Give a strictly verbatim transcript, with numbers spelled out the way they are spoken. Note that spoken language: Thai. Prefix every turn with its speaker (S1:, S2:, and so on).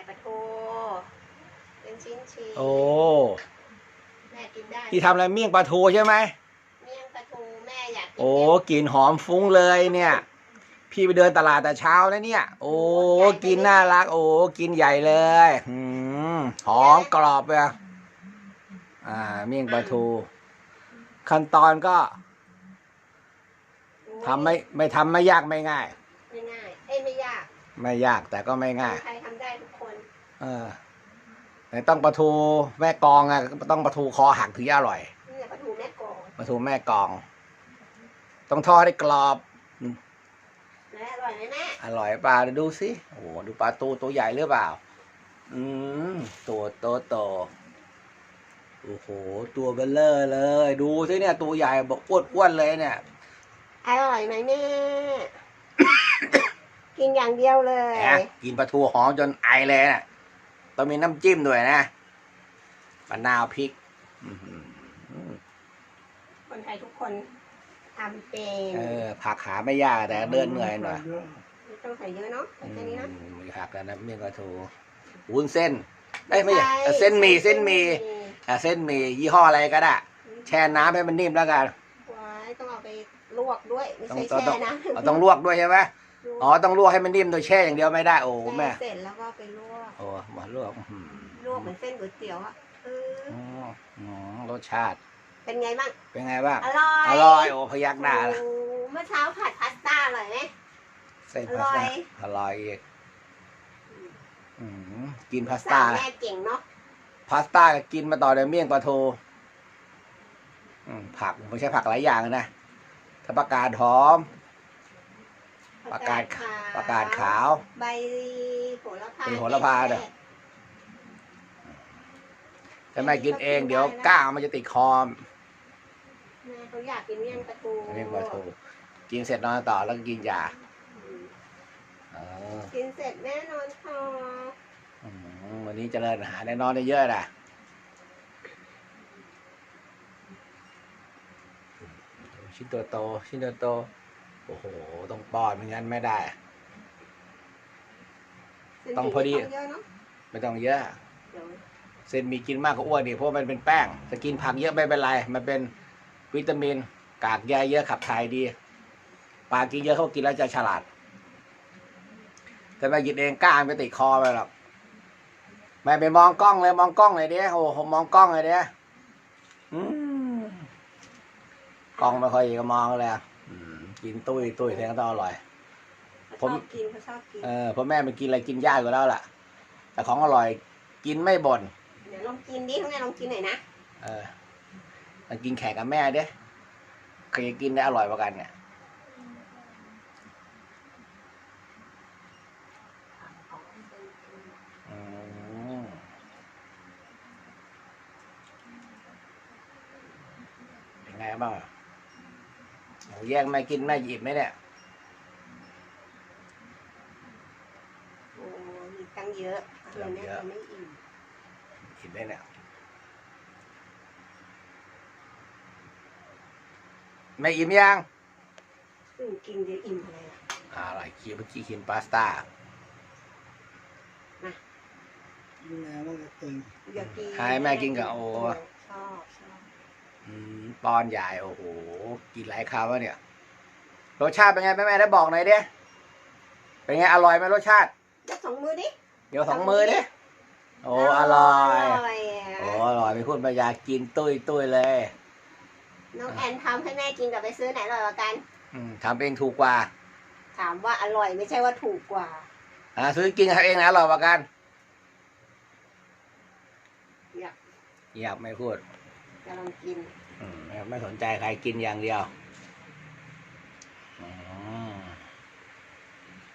S1: ปลาทูเป็นชิ้นชิ้น
S2: โอ้
S1: แม่กินได้
S2: ที่ทำอะไรเมี่ยงปลาทูใช่ไหม
S1: เมี่ยงปลาทูแม่อยากกิน
S2: โอ้กลิ่นหอมฟุ้งเลยเนี่ยพี่ไปเดินตลาดแต่เช้าแล้วเนี่ยโอ้กินน่ารักโอ้กินใหญ่เลยหืมหอมกรอบเลยอ่าเมี่ยงปลาทูขั้นตอนก็ทำไม่ไม่ทำไม่ยากไม่ง่าย
S1: ไม่ง่ายเอ้ยไม่ยาก
S2: ไม่ยากแต่ก็ไม่ง่าย
S1: ใครทำได้ทุกคน
S2: เออแต่ต้องปลาทูแม่กองอ่ะต้องปลาทูคอหักถึงจะอร่อย
S1: นี่แหละปลาทูแม่กอง
S2: ปลาทูแม่กองต้องทอดให้กรอบ
S1: แล้วอร่อยไหมแม่
S2: อร่อยเปล่าดูสิโอ้โหดูปลาตูตัวใหญ่หรือเปล่าอืมตัวโตโตโอ้โหตัวเบลเลอร์เลยดูสิเนี่ยตัวใหญ่บอกอ้วนๆเลยเนี่ย
S1: อร่อยไหมแม่ กินอย่างเดียวเลย
S2: กินปลาทูหอมจนไอเลยนะต้องมีน้ำจิ้มด้วยนะมะนาวพริก
S1: คนไทยทุกคนทำเป็น
S2: เออผักหาไม่ยากแต่เดินเหนื่อยหน่อย
S1: ไม่ต้องใส่เยอะเนาะแค่นี้นะ
S2: มีผักแล้วนะเมี่ยงปลาทูวุ้นเส้นได้ไม่ใช่เส้นหมี่เส้นหมี่เส้นหมี่ยี่ห้ออะไรก็ได้แช่น้ำให้มันนิ่มแล้วกัน
S1: ว้ายต้องเอาไปลวกด้วยไม่ใช่แช่นะ
S2: ต้องลวกด้วยใช่ไหมอ๋อต้องลวกให้มันนิ่มโดยแช่อย่างเดียวไม่ได้โอ้แม่
S1: เสร็จแล้วก็ไปลวก
S2: โอ้มาลวก
S1: ลวกเหมือนเส้นก๋วยเตี๋ยวอ่ะเออ
S2: อ๋อรสชาติ
S1: เป็นไงบ้าง
S2: เป็นไงบ้าง
S1: อร่อย
S2: อร่อยโอ้พยักหน้า
S1: เมื่อเช้าผัดพาสต้าอร่อยไหม
S2: เส้นพาสต้าอร่อยอีกกินพาสต้า
S1: แม่เก่งเนาะ
S2: พาสต้ากินมาต่อด้วยเมี่ยงปลาทูผักไม่ใช่ผักหลายอย่างนะถ้าผักกาดหอมผักกาดผักกาดขาว
S1: ใบโหระพา
S2: เป็นโหระพาเด้อแต่แม่กินเองเดี๋ยวก้างมันจะติดคอม
S1: แม่เขาอยากกินเมี่ยงปลาทู
S2: เมี่ยงปลาทูกินเสร็จนอนต่อแล้วก็กินยา
S1: กินเสร็จแม่นอนต่อ
S2: วันนี้เจริญอาหารได้นอนได้เยอะนะชิ้นตัวโตชิ้นตัวโตโอ้โหต้องป้อนไม่งั้นไม่ได้ต้องพอดีไม่ต้องเยอะเส้นมีกินมากก็อ้วนดิเพราะมันเป็นแป้งจะกินผักเยอะไม่เป็นไรมันเป็นวิตามินกากใยเยอะขับถ่ายดีปลากินเยอะเขากินแล้วจะฉลาดแต่แม่กินเองก้างไปติดคอไปหรอกแม่ไปมองกล้องเลยมองกล้องเลยเด้โอ้โหมองกล้องเลยเด้กล้องไม่ค่อยก็มองเลยกินตุ้ยตุ้ยแทงต้องอร่อย
S1: ผมกินเขาชอบกิน
S2: เออเพราะแม่มันกินอะไรกินยากอยู่แล้วล่ะแต่ของอร่อยกินไม่บ่น
S1: เดี๋ยวลองกินดิข้างในลองกินหน่อยนะ
S2: เออมากินแข่งกับแม่เด้ใครจะกินได้อร่อยกว่ากันเนี่ยเป็นไงบ้างโอ้แย่งแม่กินแม่หยิบไหมเนี่ย
S1: โอ้มีตั้งเยอะเดี๋ยวแม่จะไม่อิ่ม
S2: อิ่มได้เนี่ยไม่อิ่มยัง
S1: กินเดี๋ยวอิ่มอะไร
S2: อ่าอะไรกินเมื่อกี้กินพาสต้าให้แม่กินกับโอ้
S1: ชอบชอบ
S2: ป้อนใหญ่โอ้โหกินหลายคำวะเนี่ยรสชาติเป็นไงแม่แม่ได้บอกหน่อยดิเป็นไงอร่อยไหมรสชาติ
S1: ยกสองมือดิ
S2: เดี๋ยวสองมือดิโอ้อร่อยโอ้อร่อยไม่พูดไม่อยากกินตุ้ยตุ้ยเลย
S1: น้องแอนทำให้แม่กินกับไปซื้อไหนอร่อยกว่ากัน
S2: ทำเองถูกกว่า
S1: ถามว่าอร่อยไม่ใช่ว่าถูกกว่า
S2: อ่าซื้อกินทำเองนะอร่อยกว่ากัน
S1: อยาก
S2: อยากไม่พูด
S1: จะลองกิน
S2: อืมไม่สนใจใครกินอย่างเดียวอ๋อ